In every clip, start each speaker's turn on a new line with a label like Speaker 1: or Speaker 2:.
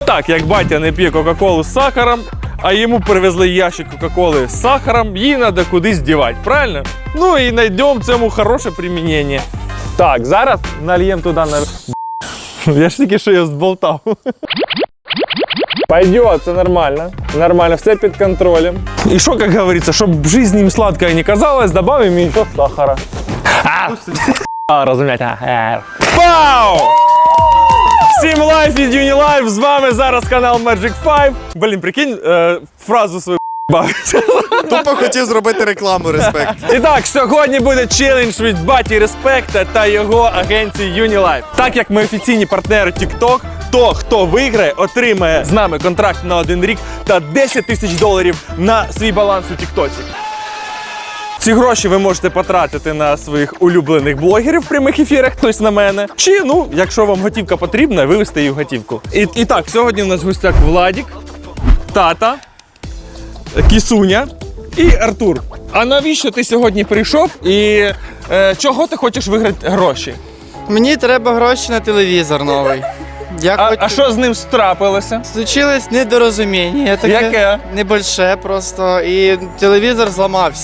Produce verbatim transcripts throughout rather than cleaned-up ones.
Speaker 1: так, як батя не п'є Кока-Колу з сахаром, а йому привезли ящик Кока-Коли з сахаром, її треба кудись дівати, правильно? Ну і знайдемо цьому хороше примінення. Так, зараз нальємо туди на... Я ж тільки що його зболтав. Пойдет, це нормально. Нормально, все під контролем. І що, як говориться, щоб жизнь їм сладкою не казалась, добавим менше сахара. А, розумієте. Пау! Всім лайф від Unilife, з вами зараз канал Magic п'ять. Блін, прикинь, е, фразу свою бавиться.
Speaker 2: Тупо хотів зробити рекламу, респект.
Speaker 1: І так, сьогодні буде челендж від Баті Респекта та його агенції Unilife. Так як ми офіційні партнери TikTok, то хто виграє, отримає з нами контракт на один рік та десять тисяч доларів на свій баланс у Тіктоці. Ці гроші ви можете потратити на своїх улюблених блогерів в прямих ефірах, хтось на мене. Чи, ну, якщо вам готівка потрібна, вивести її в готівку. І, і так, сьогодні у нас в гостях Владік, Тата, Кісуня і Артур. А навіщо ти сьогодні прийшов і е, чого ти хочеш виграти гроші?
Speaker 3: Мені треба гроші на телевізор новий. Я
Speaker 1: А,
Speaker 3: хочу...
Speaker 1: а що з ним трапилося?
Speaker 3: Случилось недорозуміння. Таке
Speaker 1: Яке?
Speaker 3: Небольше просто. І телевізор зламався.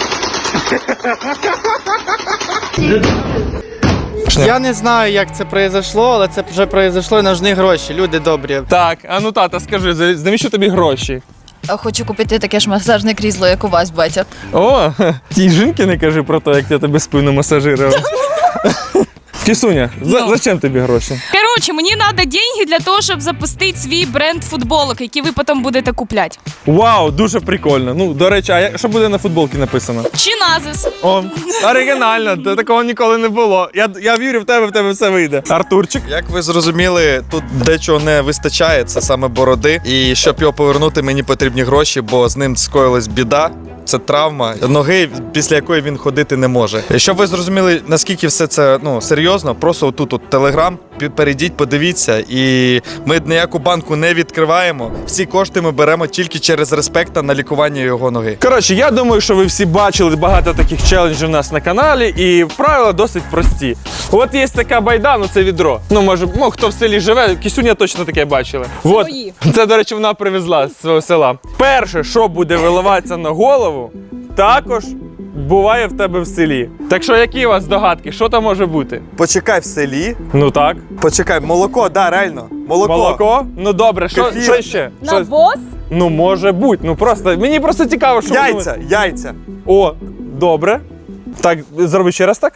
Speaker 3: Я не знаю, як це произошло, але це вже произошло і нужні гроші. Люди добрі.
Speaker 1: Так, а ну тата, скажи, за- навіщо тобі гроші?
Speaker 4: Хочу купити таке ж масажне крісло, як у вас, батя.
Speaker 1: О, тій жінки не кажи про те, як я тебе спину масажирував. Кісуня, за, зачем тобі гроші?
Speaker 5: Коротше, мені треба деньги для того, щоб запустити свій бренд футболок, які ви потім будете купляти.
Speaker 1: Вау, дуже прикольно. Ну, до речі, а я- що буде на футболці написано?
Speaker 5: Чиназис.
Speaker 1: О, оригінально, та такого ніколи не було. Я, я вірю в тебе, в тебе все вийде. Артурчик.
Speaker 2: Як ви зрозуміли, тут дечого не вистачає, це саме бороди. І щоб його повернути, мені потрібні гроші, бо з ним скоїлась біда. Це травма ноги, після якої він ходити не може. Щоб ви зрозуміли, наскільки все це ну серйозно, просто отут от телеграм, перейдіть, подивіться, і ми ніяку банку не відкриваємо. Всі кошти ми беремо тільки через Респекта на лікування його ноги.
Speaker 1: Коротше, я думаю, що ви всі бачили багато таких челенджів у нас на каналі, і правила досить прості. От є така байда, ну це відро. Ну, може, ну, хто в селі живе, Кісуня точно таке бачили. От, це, до речі, вона привезла з свого села. Перше, що буде виливатися на голову, також буває в тебе в селі. Так що, які у вас здогадки? Що там може бути?
Speaker 2: Почекай в селі.
Speaker 1: Ну так.
Speaker 2: Почекай, молоко, да, реально. Молоко.
Speaker 1: Молоко? Ну добре, що,
Speaker 2: Кефір.
Speaker 1: що ще? Що?
Speaker 5: Навоз?
Speaker 1: Ну, може бути. Ну просто, мені просто цікаво, що ви
Speaker 2: Яйця,
Speaker 1: думаєте.
Speaker 2: яйця.
Speaker 1: О, добре. Так, зроби ще раз так.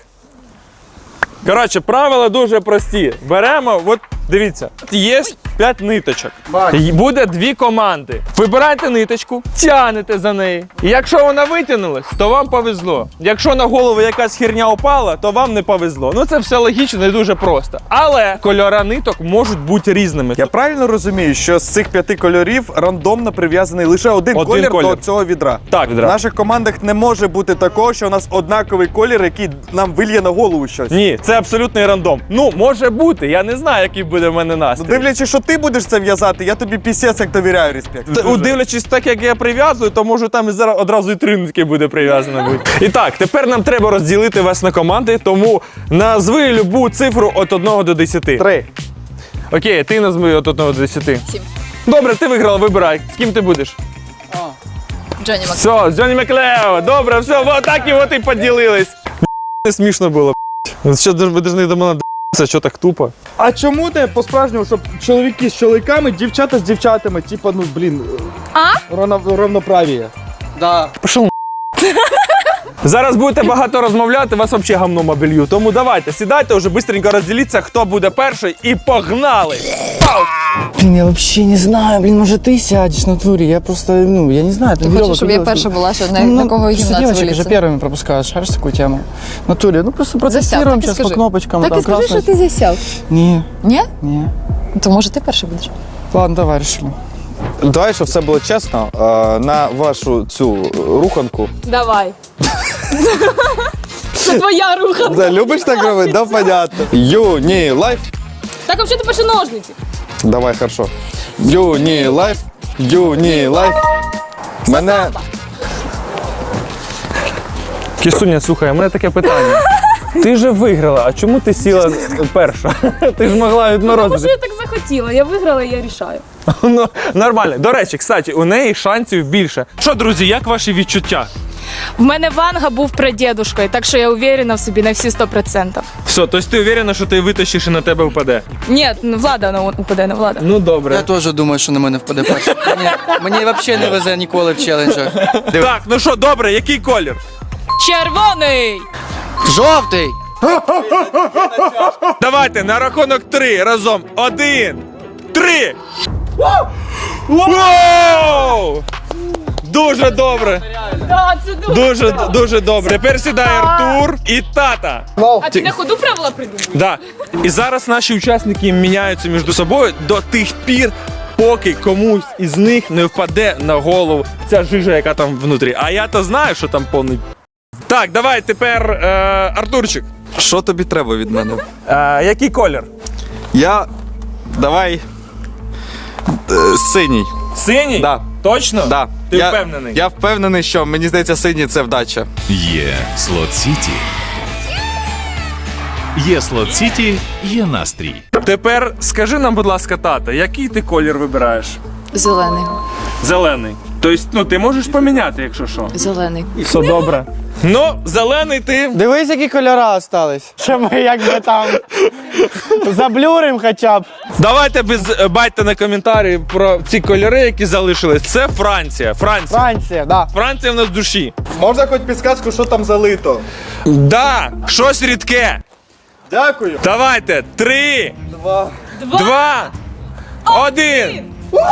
Speaker 1: Коротше, правила дуже прості. Беремо, от дивіться, є п'ять ниточок. І буде дві команди. Вибирайте ниточку, тягнете за неї. І якщо вона витягнулась, то вам повезло. Якщо на голову якась херня упала, то вам не повезло. Ну це все логічно і дуже просто. Але кольори ниток можуть бути різними.
Speaker 2: Я правильно розумію, що з цих п'яти кольорів рандомно прив'язаний лише один,
Speaker 1: Один
Speaker 2: колір,
Speaker 1: колір.
Speaker 2: до цього відра.
Speaker 1: Так,
Speaker 2: В
Speaker 1: відра.
Speaker 2: наших командах не може бути такого, що у нас однаковий колір, який нам вильє на голову щось.
Speaker 1: Ні, це абсолютний рандом. Ну, може бути, я не знаю, який буде в мене
Speaker 2: Ну,
Speaker 1: настрій.
Speaker 2: дивлячись, що ти будеш це в'язати, я тобі пісець як довіряю, респект.
Speaker 1: Т- Дивлячись так, як я прив'язую, то може там і зараз одразу і три нитки буде прив'язано бути. І так, тепер нам треба розділити вас на команди, тому назви любу цифру від одного до десяти.
Speaker 2: Три.
Speaker 1: Окей, ти назви від одного до десяти.
Speaker 4: Сім.
Speaker 1: Добре, ти виграла, вибирай. З ким ти будеш?
Speaker 4: Джонні Мак.
Speaker 1: Все, з Джонні Маклео. Добре, все, вот так і от і поділились. Не смішно було. Що ви повинні до мене д***ся, що так тупо?
Speaker 6: А чому ти по-справжньому, щоб чоловіки з чоловіками, дівчата з дівчатами, типа, ну, блін,
Speaker 5: А?
Speaker 6: равно, равноправ'я?
Speaker 3: Да.
Speaker 1: Пішов. Зараз будете багато розмовляти, вас взагалі гамном обілью. Тому давайте, сідайте, вже швидко розділіться, хто буде перший, і погнали! Пау!
Speaker 7: Блин, я вообще не знаю, блин, может ты сядешь на туре, я просто, ну, я не знаю.
Speaker 4: Ти хочеш, щоб я перша була, що на,
Speaker 7: ну,
Speaker 4: на кого
Speaker 7: просто
Speaker 4: гімнацію
Speaker 7: девочек же
Speaker 4: виліться?
Speaker 7: первыми пропускают, шаришь такую тему? На туре, ну просто
Speaker 4: Засяв,
Speaker 7: протестируем
Speaker 4: так і
Speaker 7: сейчас по
Speaker 4: скажи.
Speaker 7: кнопочкам.
Speaker 4: Так
Speaker 7: там
Speaker 4: і скажи,
Speaker 7: красный.
Speaker 4: що ти засяв.
Speaker 7: Не,
Speaker 4: Ні?
Speaker 7: не.
Speaker 4: То може ти перший будеш?
Speaker 7: Ладно, давай, решили.
Speaker 2: Давай, щоб все було чесно, е, на вашу цю руханку.
Speaker 5: Давай. Це твоя рука.
Speaker 2: Да, любиш так робити? Да, понятно. Юні лайф.
Speaker 5: Так, взагалі, пиши ножниці.
Speaker 2: Давай, хорошо. Юні лайф. Юні лайф. Мене...
Speaker 1: Кісуня, слухай, у мене таке питання. Ти же виграла, а чому ти сіла перша? Ти ж могла
Speaker 5: Тому що
Speaker 1: відморозити.
Speaker 5: я так захотіла. хотіла, я виграла, я рішаю.
Speaker 1: Ну, нормально. До речі, кстати, у неї шансів більше. Що, друзі, як ваші відчуття?
Speaker 5: В мене Ванга був прадідушкою, так що я уверена в собі на всі сто відсотків.
Speaker 1: Все, тобто ти уверена, що ти витащиш і на тебе впаде?
Speaker 5: Ні, ну, Влада на упаде, не Влада.
Speaker 1: Ну, добре.
Speaker 7: Я теж думаю, що на мене впаде перший. Мені, мені взагалі не везе ніколи в челенджах.
Speaker 1: Так, ну що, добре, який колір?
Speaker 5: Червоний!
Speaker 7: Жовтий!
Speaker 1: Давайте на рахунок три разом. Один, три. Воу! Дуже добре.
Speaker 5: Да, це дуже.
Speaker 1: Дуже, дуже добре. Тепер сідає Артур і тата.
Speaker 5: А ти на ходу правила придумав?
Speaker 1: Да. І зараз наші учасники міняються між собою до тих пір, поки комусь із них не впаде на голову ця жижа, яка там внутрі. А я то знаю, що там повний. Так, давай тепер е, Артурчик.
Speaker 2: Що тобі треба від мене?
Speaker 1: Е, який колір?
Speaker 2: Я. Давай. е, Синій.
Speaker 1: Синій?
Speaker 2: Да.
Speaker 1: Точно?
Speaker 2: Да.
Speaker 1: Ти
Speaker 2: я,
Speaker 1: впевнений?
Speaker 2: Я впевнений, що мені здається, синій це вдача.
Speaker 8: Є Слот Сіті. Є Слот Сіті, є настрій.
Speaker 1: Тепер скажи нам, будь ласка, тата, який ти колір вибираєш?
Speaker 4: Зелений.
Speaker 1: Зелений. Тобто, ну ти можеш поміняти, якщо що.
Speaker 4: Зелений.
Speaker 1: Все добре. Ну, зелений ти.
Speaker 3: Дивись, які кольори остались. Що ми якби там заблюрим хоча б.
Speaker 1: Давайте без е, байте на коментарі про ці кольори, які залишились. Це Франція. Франція.
Speaker 3: Франція, да.
Speaker 1: Франція в нас в душі.
Speaker 6: Можна хоч підсказку, що там залито?
Speaker 1: Да, щось рідке.
Speaker 6: Дякую.
Speaker 1: Давайте. Три,
Speaker 6: Два.
Speaker 1: два, один.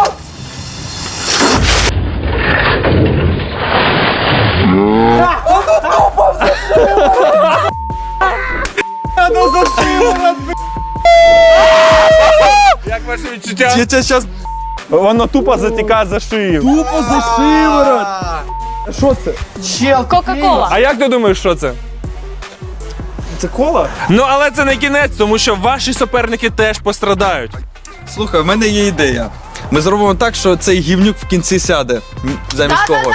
Speaker 1: Як ваші відчуття?
Speaker 2: Я тебе зараз.
Speaker 1: Воно тупо затікає за шию.
Speaker 6: Тупо за шиворот. Що це?
Speaker 3: Чел,
Speaker 5: Кока-кола.
Speaker 1: А як ти думаєш, що це?
Speaker 6: Це кола?
Speaker 1: Ну, але це не кінець, тому що ваші суперники теж пострадають.
Speaker 2: Слухай, в мене є ідея. Ми зробимо так, що цей гівнюк в кінці сяде м, замість когось.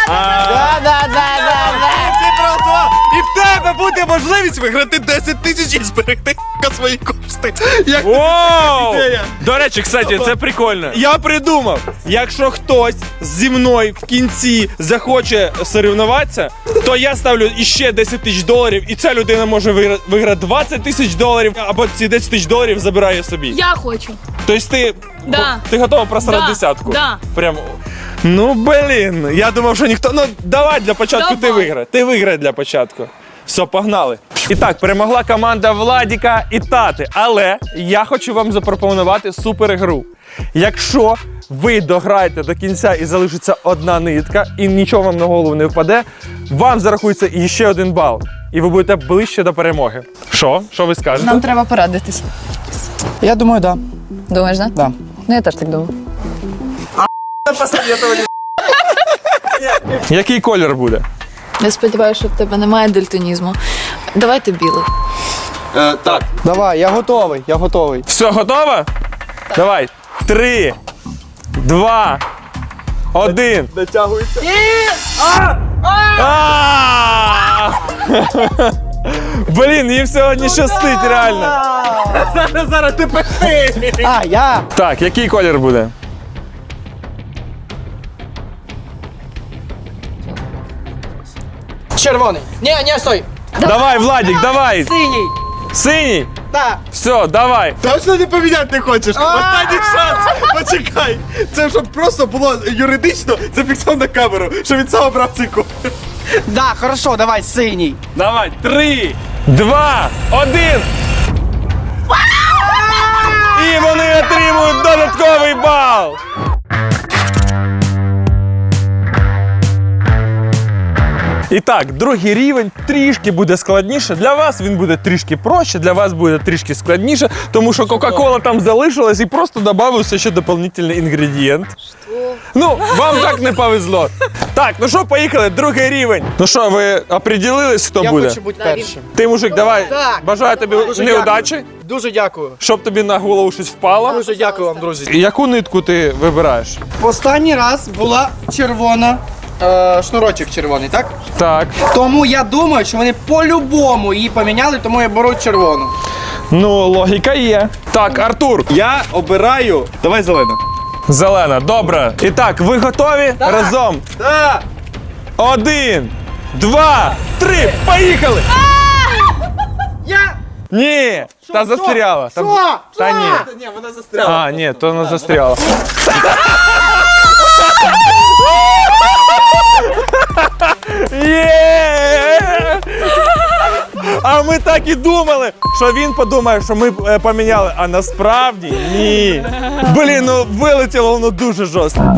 Speaker 1: І в тебе буде можливість виграти десять тисяч і зберегти свої кошти.
Speaker 2: Як
Speaker 1: Воу! До речі, кстати, це прикольно. Я придумав, якщо хтось зі мною в кінці захоче соревнуватися, то я ставлю іще десять тисяч доларів, і ця людина може вигра- виграти двадцять тисяч доларів, або ці десять тисяч доларів забирає собі.
Speaker 5: Я хочу.
Speaker 1: Тобто ти,
Speaker 5: Да.
Speaker 1: ти готова просрати
Speaker 5: Да,
Speaker 1: десятку?
Speaker 5: да.
Speaker 1: Прям. Ну, блін, я думав, що ніхто. Ну, давай для початку
Speaker 5: Давай.
Speaker 1: ти виграй. Ти виграй для початку. Все, погнали. І так, перемогла команда Владіка і Тати. Але я хочу вам запропонувати суперігру. Якщо ви дограєте до кінця і залишиться одна нитка, і нічого вам на голову не впаде, вам зарахується іще один бал. І ви будете ближче до перемоги. Що? Що ви скажете?
Speaker 4: Нам треба порадитись.
Speaker 3: Я думаю, да.
Speaker 4: Думаєш, да?
Speaker 3: Да.
Speaker 4: Ну я теж так думаю.
Speaker 1: Який колір буде?
Speaker 4: Я сподіваюся, що в тебе немає дальтонізму. Давайте білий.
Speaker 2: Е, так.
Speaker 3: Давай, я готовий, я готовий.
Speaker 1: Все, готово? Давай. Три, два, один.
Speaker 6: Дотягується.
Speaker 1: А! Блін, їм сьогодні щастить, реально. Зараз, зараз ти пиши.
Speaker 3: А, я.
Speaker 1: Так, який колір буде?
Speaker 3: Червоний. Ні, ні, стой.
Speaker 1: Давай, Владік, давай.
Speaker 3: Синій.
Speaker 1: Синій?
Speaker 3: Так.
Speaker 1: Все, давай.
Speaker 6: Точно не поміняти не хочеш? Останній шанс. Почекай. Це щоб просто було юридично зафіксовано на камеру, що він сам обрав цей колір.
Speaker 3: Да, хорошо, давай, синій.
Speaker 1: Давай. Три, два, один. І вони отримують додатковий бал. І так, другий рівень трішки буде складніше. Для вас він буде трішки проще, для вас буде трішки складніше, тому що Кока-Кола там залишилась і просто додався ще дополнительний інгредієнт. Ну, вам так не повезло. Так, ну що, поїхали, другий рівень. Ну що, ви определились, хто
Speaker 3: Я
Speaker 1: буде?
Speaker 3: хочу бути першим.
Speaker 1: Ти, мужик, давай.
Speaker 3: Так.
Speaker 1: Бажаю тобі
Speaker 3: Дуже
Speaker 1: неудачі,
Speaker 3: Дуже дякую.
Speaker 1: щоб тобі на голову щось впало.
Speaker 3: Дуже дякую вам, друзі.
Speaker 1: Яку нитку ти вибираєш?
Speaker 3: Останній раз була червона, е, шнурочок червоний, так?
Speaker 1: Так.
Speaker 3: Тому я думаю, що вони по-любому її поміняли, тому я беру червону.
Speaker 1: Ну, логіка є. Так, Артур,
Speaker 6: Я обираю. Давай зелена.
Speaker 1: зелена, добре. І так, ви готові? Разом.
Speaker 6: Так!
Speaker 1: Один, два, три, поїхали!
Speaker 3: Я!
Speaker 1: Ні, та застряла. Та,
Speaker 3: Що?
Speaker 1: та ні.
Speaker 6: Ні, вона застряла.
Speaker 1: А, ні, то не застряла. Є! А ми так і думали, що він подумає, що ми е, поміняли, а насправді ні. Блін, ну вилетіло воно дуже жорстко.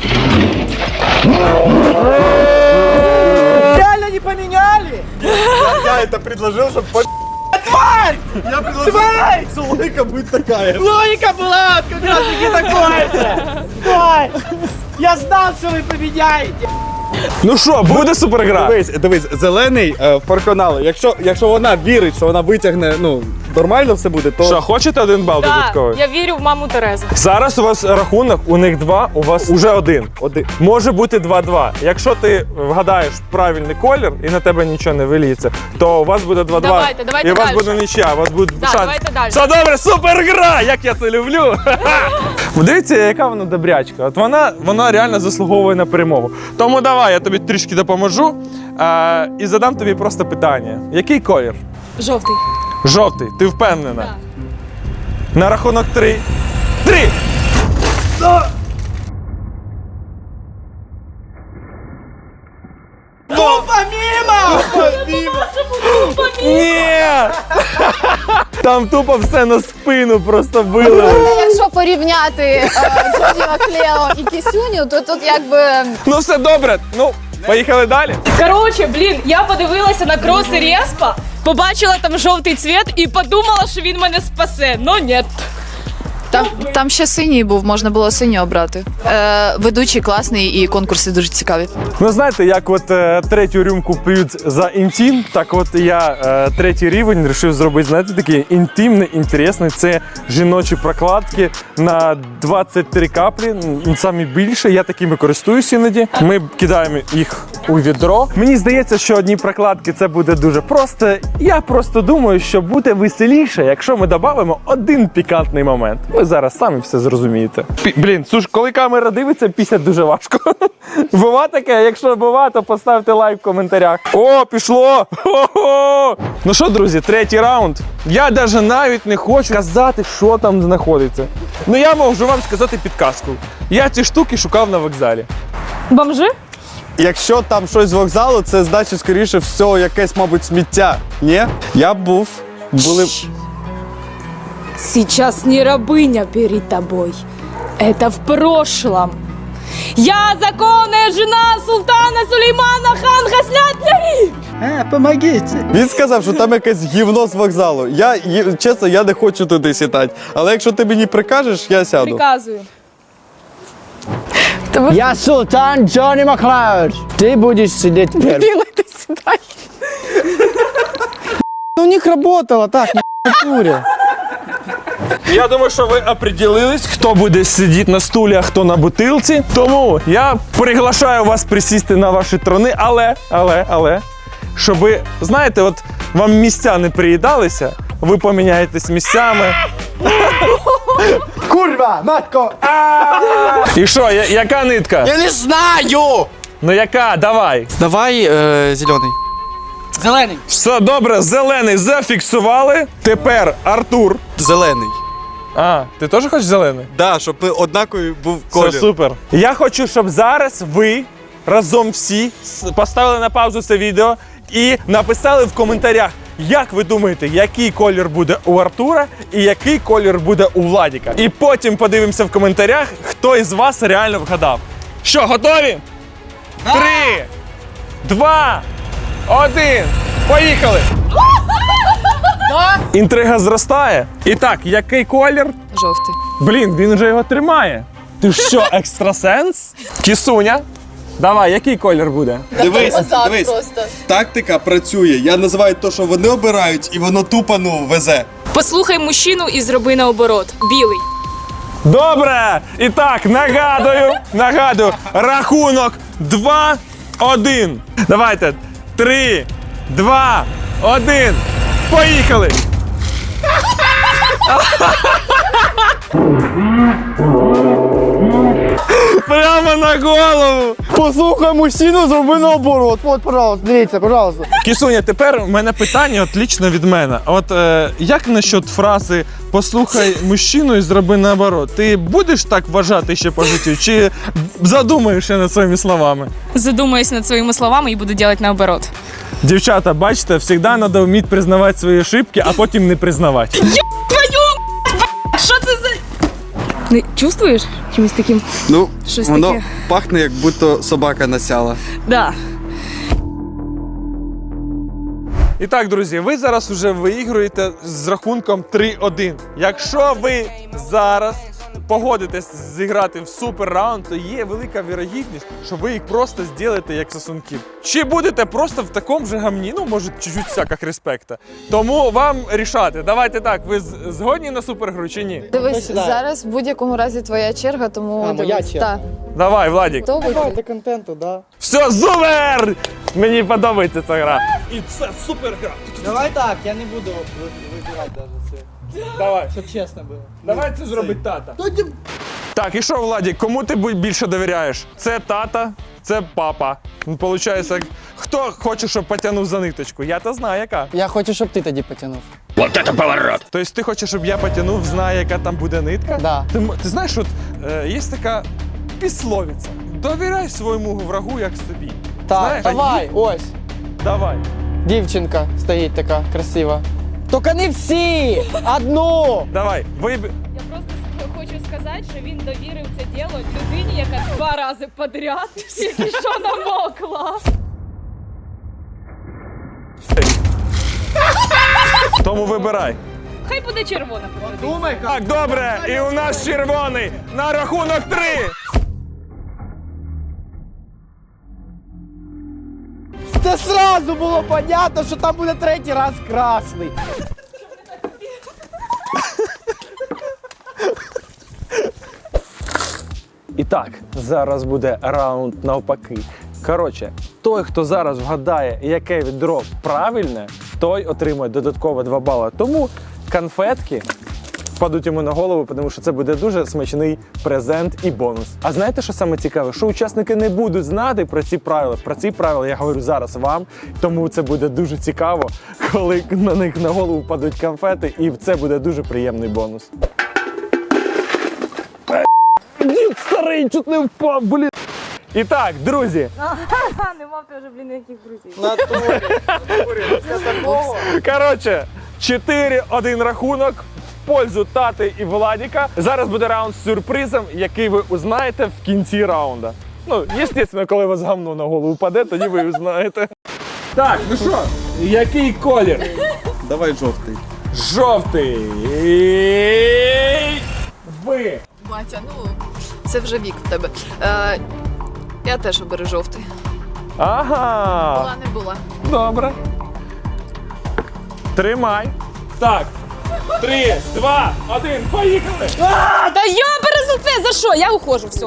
Speaker 3: Реально не поміняли?
Speaker 6: Я это предложил, чтобы по... Тварь! Я предложил, что логика будет такая.
Speaker 3: Логіка була, от как раз таки такое же. Стой! Я знав, що ви поміняєте.
Speaker 1: Ну що, буде супергра?
Speaker 6: Дивись, дивись, зелений е, переконали. Якщо, якщо вона вірить, що вона витягне, ну, нормально все буде, то...
Speaker 1: Що, хочете один бал додатковий?
Speaker 5: я вірю в маму Терезу.
Speaker 1: Зараз у вас рахунок, у них два, у вас уже один. один. Може бути два-два. Якщо ти вгадаєш правильний колір і на тебе нічого не виліється, то у вас буде два-два.
Speaker 5: Давайте, давайте
Speaker 1: і у вас
Speaker 5: дальше.
Speaker 1: буде нічия, у вас буде
Speaker 5: Да,
Speaker 1: шанс.
Speaker 5: давайте дальше.
Speaker 1: Все добре, супергра! Як я це люблю! Дивіться, яка вона добрячка. От вона, вона реально заслуговує на перемогу. Тому давай, я тобі трішки допоможу а, і задам тобі просто питання. Який колір?
Speaker 5: Жовтий.
Speaker 1: Жовтий, ти впевнена? На рахунок три. Три!
Speaker 3: Тупо мимо!
Speaker 1: Ні! Там тупо все на спину просто вилили.
Speaker 4: Якщо порівняти е, Джоді Маклео і Кісюню, то тут якби
Speaker 1: Ну все добре. Ну, поїхали далі.
Speaker 5: Коротше, блін, я подивилася на кроси Респа, побачила там жовтий цвіт і подумала, що він мене спасе. Но ні.
Speaker 4: там, там ще синій був, можна було синій обрати. Е, ведучий класний і конкурси дуже цікаві.
Speaker 1: Ну знаєте, як от е, третю рюмку п'ють за інтим, так от я е, третій рівень вирішив зробити, знаєте, такий інтимний, інтересний. Це жіночі прокладки на двадцять три каплі, м, самі більше. Я такими користуюсь іноді. Ми кидаємо їх у відро. Мені здається, що одні прокладки це буде дуже просто. Я просто думаю, що буде веселіше, якщо ми додамо один пікантний момент. Ви зараз самі все зрозумієте. Пі- блін, слушай, коли камера дивиться, пісять дуже важко. Бува таке? Якщо бува, то поставте лайк в коментарях. О, пішло! Хо-хо! Ну що, друзі, третій раунд. Я навіть навіть не хочу казати, що там знаходиться. Ну я можу вам сказати підказку. Я ці штуки шукав на вокзалі.
Speaker 5: Бомжи?
Speaker 6: Якщо там щось з вокзалу, це значить, скоріше всього, якесь, мабуть, сміття. Ні? Я б був, були...
Speaker 5: Сейчас не рабыня перед тобой. Это в прошлом. Я законная жена султана Сулеймана хан Хаснят-Ляри.
Speaker 3: Е, помогите.
Speaker 6: Він сказав, що там якесь гівно з вокзалу. Я, є- чесно, я не хочу туди сідати. Але якщо ти мені прикажеш, я сяду.
Speaker 5: Приказую.
Speaker 7: Я султан Джонни Маклауд. Ти будеш сидіти перший.
Speaker 3: Ну, у них работало, так, на натуре.
Speaker 1: Я думаю, що ви определились, хто буде сидіти на стулі, а хто на бутилці. Тому я приглашаю вас присісти на ваші трони, але, але, але, щоб, знаєте, от вам місця не приїдалися, ви поміняєтесь місцями.
Speaker 3: Курва, матко!
Speaker 1: І що, я- яка нитка?
Speaker 3: Я не знаю!
Speaker 1: Ну яка? Давай.
Speaker 3: Давай е, зелений. Зелений.
Speaker 1: Все добре, зелений зафіксували. Тепер Артур.
Speaker 6: Зелений.
Speaker 1: А, ти теж хочеш зелений?
Speaker 6: Да, щоб ми однаковий був
Speaker 1: Все
Speaker 6: колір.
Speaker 1: супер. Я хочу, щоб зараз ви разом всі с- поставили на паузу це відео і написали в коментарях, як ви думаєте, який колір буде у Артура і який колір буде у Владіка. І потім подивимося в коментарях, хто із вас реально вгадав. Що, готові? Три, два, один. Поїхали! Інтрига зростає. І так, який колір?
Speaker 4: Жовтий.
Speaker 1: Блін, він вже його тримає. Ти що, екстрасенс? Кісуня, давай, який колір буде?
Speaker 6: Дивись, дивись. Тактика працює. Я називаю те, що вони обирають, і воно тупо, ну, везе.
Speaker 5: Послухай мужчину і зроби наоборот. Білий.
Speaker 1: Добре! І так, нагадую, нагадую, рахунок два один. Давайте. три, два, один. Поїхали! Прямо на голову!
Speaker 3: Послухай мужчину, зроби наоборот. От, пожалуйста, дивіться, пожалуйста.
Speaker 1: Кісуня, тепер у мене питання от лічно від мене. От е, як насчет фрази «послухай мужчину і зроби наоборот»? Ти будеш так вважати ще по життю, чи задумаєшся над своїми словами?
Speaker 5: Задумаюсь над своими словами и буду делать наоборот.
Speaker 1: Дівчата, бачите, завжди треба вміти признавати свої ошибки, а потім не признавати.
Speaker 5: Що це за... Не чувствуєш чимось таким?
Speaker 6: Ну,
Speaker 5: Щось
Speaker 6: воно
Speaker 5: таке.
Speaker 6: пахне, як будто собака насяла.
Speaker 5: Да.
Speaker 1: І так, друзі, ви зараз уже виігруєте з рахунком три один. Якщо ви зараз погодитесь зіграти в супер раунд, то є велика вірогідність, що ви їх просто зробите як сосунків. Чи будете просто в такому же гамні, ну, може, чуть-чуть всяких респекта. Тому вам рішати. Давайте так, ви з- згодні на супергру чи ні?
Speaker 4: Дивись,
Speaker 3: сідає?
Speaker 4: зараз в будь-якому разі твоя черга, тому
Speaker 3: А, моя
Speaker 4: дивись.
Speaker 3: черга.
Speaker 4: Так.
Speaker 1: Давай, Владік.
Speaker 4: Хто ви?
Speaker 3: Давайте контенту, да.
Speaker 1: Все, супер! Мені подобається ця гра. І це супергра.
Speaker 3: Давай так, я не буду вибирати навіть це.
Speaker 1: Давай.
Speaker 3: Щоб чесно було.
Speaker 1: Давай це зробить тата. Так, і що, Владік, кому ти бу- більше довіряєш? Це тата, це папа. Ну, Получається, хто хоче, щоб потягнув за ниточку? Я то знаю, яка.
Speaker 3: Я хочу, щоб ти тоді потягнув.
Speaker 1: Тобто ти хочеш, щоб я потягнув, знає, яка там буде нитка?
Speaker 3: Да.
Speaker 1: Ти, м- ти знаєш, от е, є така післовиця. Довіряй своєму врагу, як собі.
Speaker 3: Так,
Speaker 1: Знаєш,
Speaker 3: давай, ось.
Speaker 1: Давай.
Speaker 3: Дівчинка стоїть така красива. Тільки не всі! Одну!
Speaker 1: Давай. Виб...
Speaker 5: Я просто хочу сказати, що він довірив це діло людині, яка два рази подряд тільки що намокла.
Speaker 1: Тому вибирай.
Speaker 5: Хай буде червона.
Speaker 3: Думай,
Speaker 1: Так, добре, і у нас червоний на рахунок три.
Speaker 3: це сразу було понятно, що там буде третій раз красний.
Speaker 1: І так, зараз буде раунд навпаки. Коротше, той, хто зараз вгадає, яке відро правильне, той отримує додатково два бали. Тому конфетки впадуть йому на голову, тому що це буде дуже смачний презент і бонус. А знаєте, що саме цікаве? Що учасники не будуть знати про ці правила. Про ці правила я говорю зараз вам, тому це буде дуже цікаво, коли на них на голову впадуть конфети, і це буде дуже приємний бонус. Дід старий, чуть не впав, блін. І так, друзі,
Speaker 5: Не мав ти вже, блін, ніяких друзів.
Speaker 1: коротше, чотири один рахунок в пользу Тати і Владіка. Зараз буде раунд з сюрпризом, який ви узнаєте в кінці раунда. Ну, звісно, коли у вас гамно на голову впаде, тоді ви узнаєте. Так, ну що, який колір?
Speaker 6: Давай жовтий.
Speaker 1: Жовтий. Ви.
Speaker 4: Батя, ну це вже вік в тебе. Е, я теж оберу жовтий.
Speaker 1: Ага.
Speaker 4: Була не була.
Speaker 1: Добре. Тримай. Так. Три, два, один, поїхали!
Speaker 5: Та я пересуте, за що? Я ухожу, все.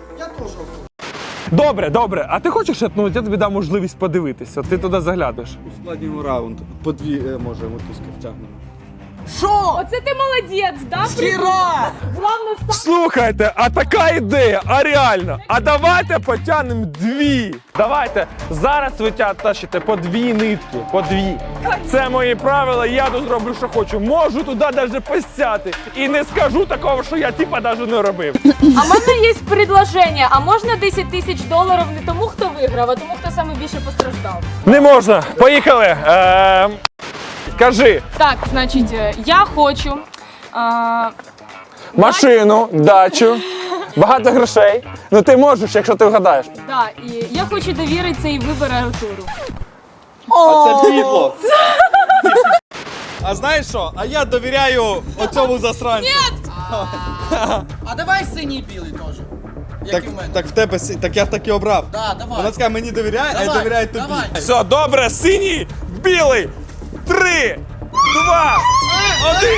Speaker 1: Добре, добре. А ти хочеш, ну, я тобі дам можливість подивитися. От ти туди заглядиш.
Speaker 6: Ускладнюємо раунд. По дві е, може мотузки втягнемо.
Speaker 5: Оце ти молодець, да? Хіра! Главное, сам.
Speaker 1: Слухайте, а така ідея, а реально. А давайте потягнемо дві. Давайте зараз ви тя- тащите по дві нитки, по дві. Це мої правила, я тут зроблю, що хочу. Можу туди навіть посяти. І не скажу такого, що я типа навіть не робив.
Speaker 5: А в мене є предложення, а можна десять тисяч доларів не тому, хто виграв, а тому, хто саме більше постраждав?
Speaker 1: Не можна. Поїхали. Ем, кажи.
Speaker 5: Так, значить, е, я хочу. А,
Speaker 1: Машину, дачу, багато грошей. Ну ти можеш, якщо ти вгадаєш.
Speaker 5: да, і я хочу довірити цей вибір Артуру.
Speaker 6: А це підло. А знаєш що? А я довіряю оцьому засранцю.
Speaker 3: А давай синій і білий теж.
Speaker 6: Так, так в тебе си- так я так і обрав.
Speaker 3: Да, давай.
Speaker 6: Вона сказала, мені довіряє, а я довіряю тобі.
Speaker 3: давай.
Speaker 1: Все, добре, синій, білий. Три, два, один.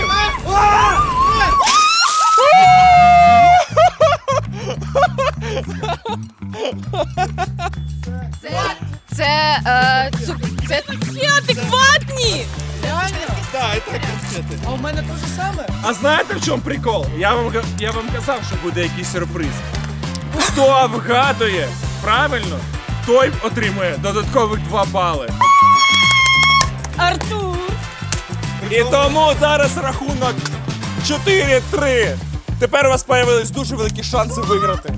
Speaker 4: Це. Це. Е, цу, це
Speaker 5: Адекватні!
Speaker 6: Так, і так конфети.
Speaker 3: А у мене те ж саме.
Speaker 1: А знаєте, в чому прикол? Я вам, га- я вам казав, що буде якийсь сюрприз. Хто вгадує правильно, той отримує додаткових два бали.
Speaker 5: Артур!
Speaker 1: І тому зараз рахунок чотири три. Тепер у вас з'явились дуже великі шанси виграти.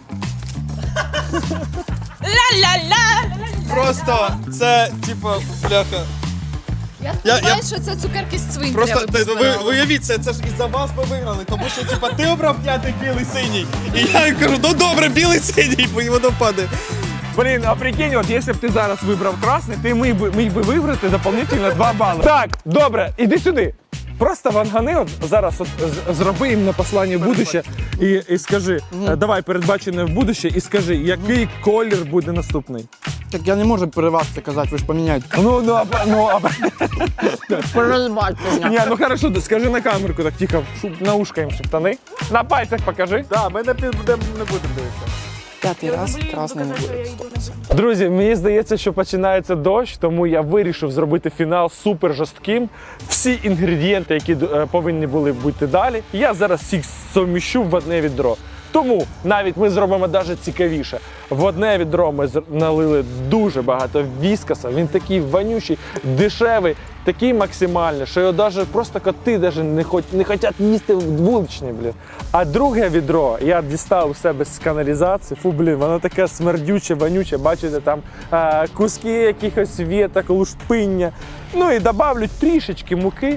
Speaker 5: Ля-ля-ля!
Speaker 2: Просто це, типу, бляха.
Speaker 4: Я
Speaker 2: Я-
Speaker 4: сподіваюся, що це цукерки з цвинтаря.
Speaker 2: Просто
Speaker 4: ви
Speaker 2: ти- ви,
Speaker 4: позбирали.
Speaker 2: уявіть, це, це ж із-за вас ми виграли, тому що типа ти обрав п'ятий, білий, синій. І я кажу, ну добре, білий, синій, і воно падає.
Speaker 1: Блін, а прикинь, от якщо б ти зараз вибрав красний, ти міг би, міг би виграти дополнительно два бали. Так, добре, іди сюди. Просто вангани от зараз от, з- зроби їм на послання в будуще і, і скажи, е, давай передбачене в будуще і скажи, який колір буде наступний.
Speaker 7: Так я не можу при вас це казати, ви ж поміняєте.
Speaker 1: Ну, ну, а, ну, а,
Speaker 7: Перебачте
Speaker 1: ні, ну хорошо, скажи на камерку, так тихо, щоб на ушко їм шептани. На пальцях покажи.
Speaker 6: Так, ми не, під- не будемо дивитися.
Speaker 7: П'ятий раз красний не буде.
Speaker 1: Друзі, мені здається, що починається дощ, тому я вирішив зробити фінал супер жорстким. Всі інгредієнти, які е, повинні були бути далі, я зараз всіх суміщу в одне відро. Тому навіть ми зробимо навіть цікавіше. В одне відро ми з- налили дуже багато віскаса. Він такий вонючий, дешевий, такий максимальний, що його навіть просто коти даже не, хоч, не хочуть їсти вуличні, блін. А друге відро я дістав у себе з каналізації. Фу, блін, воно таке смердюче, вонюче. Бачите, там а, куски якихось віток, лушпиння. Ну і добавлю трішечки муки.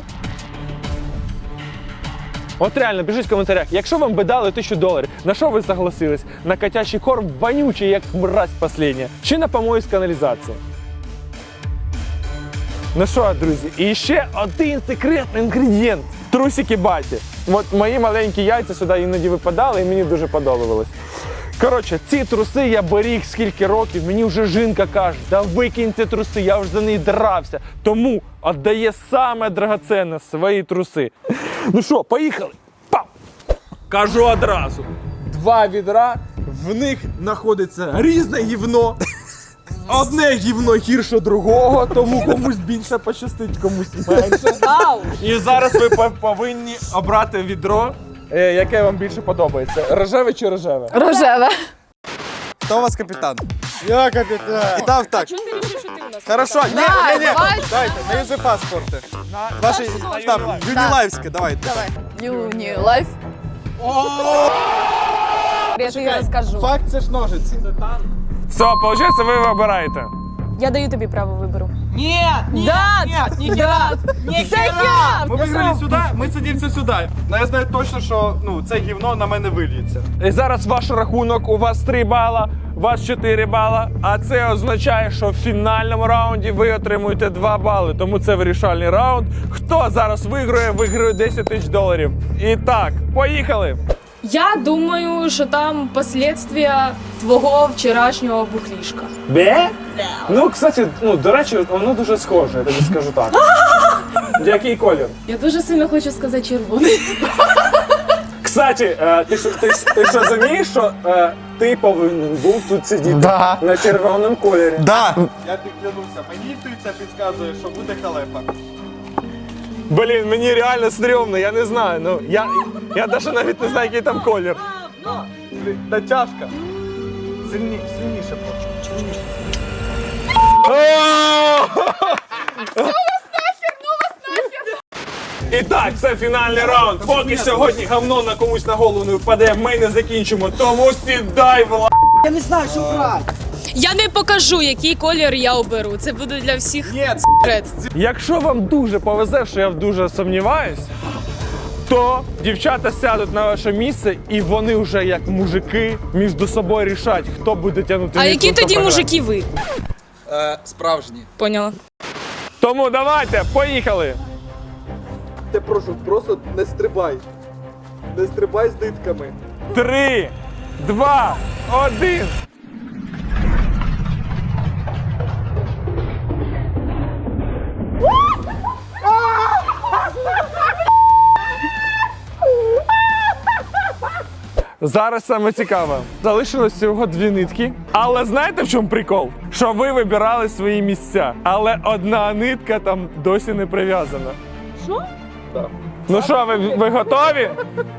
Speaker 1: От реально, пишіть в коментарях, якщо вам би дали тисячу доларів, на що ви согласились? На котячий корм вонючий, як мразь последня, чи на помої з каналізації? Ну що, друзі, і ще один секретний інгредієнт. Трусики баті. От мої маленькі яйця сюди іноді випадали і мені дуже подобалось. Коротше, ці труси я беріг скільки років, мені вже жінка каже, да викинь ці труси, я вже за них дрався. Тому віддає саме драгоценне свої труси. Ну що, поїхали? Пам! Кажу одразу. Два відра, в них знаходиться різне гівно. Одне гівно гірше другого, тому комусь більше пощастить, комусь менше. І зараз ви по- повинні обрати відро, е, яке вам більше подобається. Рожеве чи рожеве?
Speaker 4: Рожеве.
Speaker 2: Хто у вас капітан?
Speaker 6: Я капітан.
Speaker 2: Дав так.
Speaker 5: Чому ти вирішив, що ти у нас?
Speaker 2: Хорошо, ні,
Speaker 4: Давай,
Speaker 2: ні, ні.
Speaker 4: давай.
Speaker 2: Дайте, на юзи паспорти. Ваші, там, юнілайвське, давайте.
Speaker 4: Давай. Юні лайф.
Speaker 5: Я тобі розкажу.
Speaker 6: Факт це ж ножиці.
Speaker 1: Все, виходить, ви вибираєте.
Speaker 5: Я даю тобі право вибору.
Speaker 3: Ні, ні,
Speaker 5: Да,
Speaker 3: ні, ні,
Speaker 5: да.
Speaker 3: ні,
Speaker 5: Це я!
Speaker 6: Ми виграли сюди, ми сидімося сюди. Ну я знаю точно, що ну, це гівно на мене вильється.
Speaker 1: І зараз ваш рахунок, у вас три бала, у вас чотири бала, а це означає, що в фінальному раунді ви отримуєте два бали, тому це вирішальний раунд. Хто зараз виграє, виграє десять тисяч доларів. І так, поїхали!
Speaker 5: Я думаю, що там последствия твого вчорашнього бухлішка.
Speaker 1: Де? Ну, кстати, ну, до речі, воно дуже схоже, я тобі скажу так. Який колір?
Speaker 5: Я дуже сильно хочу сказати червоний.
Speaker 1: Кстати, е, ти що ти, ти що розумієш, що е, ти повинен був тут сидіти
Speaker 7: Да.
Speaker 1: на червоному кольорі.
Speaker 2: Да.
Speaker 6: Я тобі клянуся, мені інтуїція підказує, що буде халепа.
Speaker 1: Блін, мені реально стрьомно, я не знаю. Ну, я, я навіть навіть не знаю, який там колір.
Speaker 6: Та тяжка. Сильні, сильніше просто.
Speaker 1: І так, це фінальний раунд. Поки сьогодні говно на комусь на голову не впаде, ми не закінчимо. Тому сідай, Влад.
Speaker 5: Я не покажу, який колір я оберу. Це буде для всіх секрет.
Speaker 1: Якщо вам дуже повезе, що я дуже сумніваюсь, то дівчата сядуть на ваше місце і вони вже як мужики між собою рішать, хто буде тягнути
Speaker 5: А
Speaker 1: нитку,
Speaker 5: які
Speaker 1: хто
Speaker 5: тоді
Speaker 1: програє.
Speaker 5: мужики ви?
Speaker 2: Е, справжні.
Speaker 5: Поняла.
Speaker 1: Тому давайте, поїхали!
Speaker 6: Ти прошу, просто не стрибай. Не стрибай з нитками.
Speaker 1: Три, два, один. Зараз саме цікаве. Залишилось всього дві нитки. Але знаєте, в чому прикол? Що ви вибирали свої місця. Але одна нитка там досі не прив'язана.
Speaker 5: Що?
Speaker 6: Так.
Speaker 1: Ну що, ви, ви готові?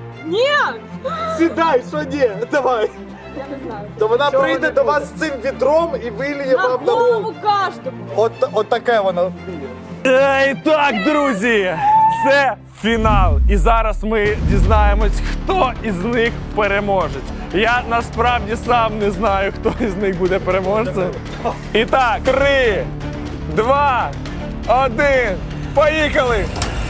Speaker 6: Сідай, що ні, давай.
Speaker 5: Я не знаю.
Speaker 6: То вона прийде до вас з цим відром і виліє
Speaker 5: На
Speaker 6: вам на голову.
Speaker 5: голову каждому.
Speaker 6: От, от таке воно.
Speaker 1: І так, друзі, це фінал. І зараз ми дізнаємось, хто із них переможець. Я насправді сам не знаю, хто із них буде переможцем. І так, три, два, один, поїхали!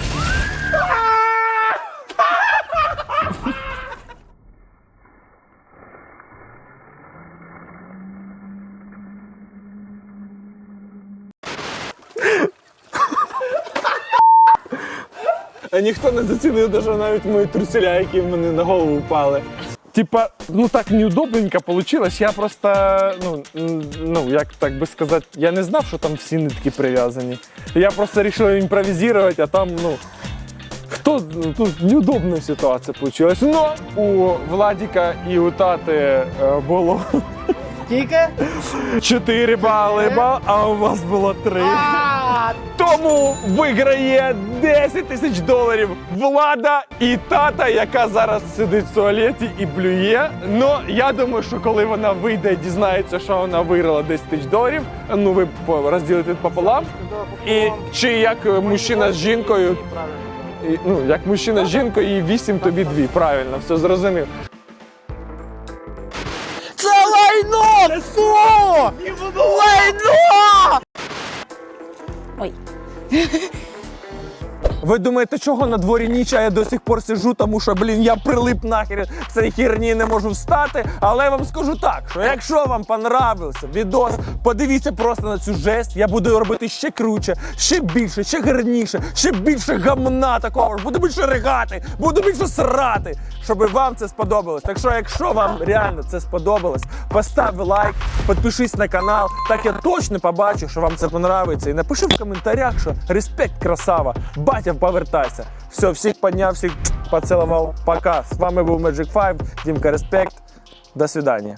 Speaker 1: А ніхто не зацінив даже навіть мої труселя, які в мене на голову впали. Типа, ну так неудобненько получилось. Я просто, ну, м, ну, як так би сказати, я не знав, що там всі нитки прив'язані. Я просто вирішив імпровізувати, а там, ну, хто, ну, тут неудобна ситуація получилась. Но у Владіка і у Тати е, було
Speaker 3: Скільки?
Speaker 1: чотири бали, бал, а у вас було три. Тому виграє десять тисяч доларів Влада і Тата, яка зараз сидить в туалеті і блює. Ну, я думаю, що коли вона вийде і дізнається, що вона виграла десять тисяч доларів, ну ви по- розділите пополам. І чи як мужчина з жінкою, і, ну, як мужчина з жінкою, і вісім тобі дві. Правильно, все зрозумів.
Speaker 3: Це лайно! Фу! Лайно!
Speaker 5: Ой.
Speaker 1: Ви думаєте, чого на дворі ніч, а я до сих пор сиджу, тому що, блін, я прилип нахер цієї херні, не можу встати. Але я вам скажу так, що якщо вам понравився відос, подивіться просто на цю жесть, я буду робити ще круче, ще більше, ще гарніше, ще більше гамна такого ж, буду більше ригати, буду більше срати, щоб вам це сподобалось. Так що, якщо вам реально це сподобалось, постав лайк, підпишись на канал, так я точно побачу, що вам це понравиться. І напиши в коментарях, що респект, красава, батя, повертайся. Все, всіх підняв, всіх поцілував. Пока. З вами був Magic Five, Дімка Респект. До свидання.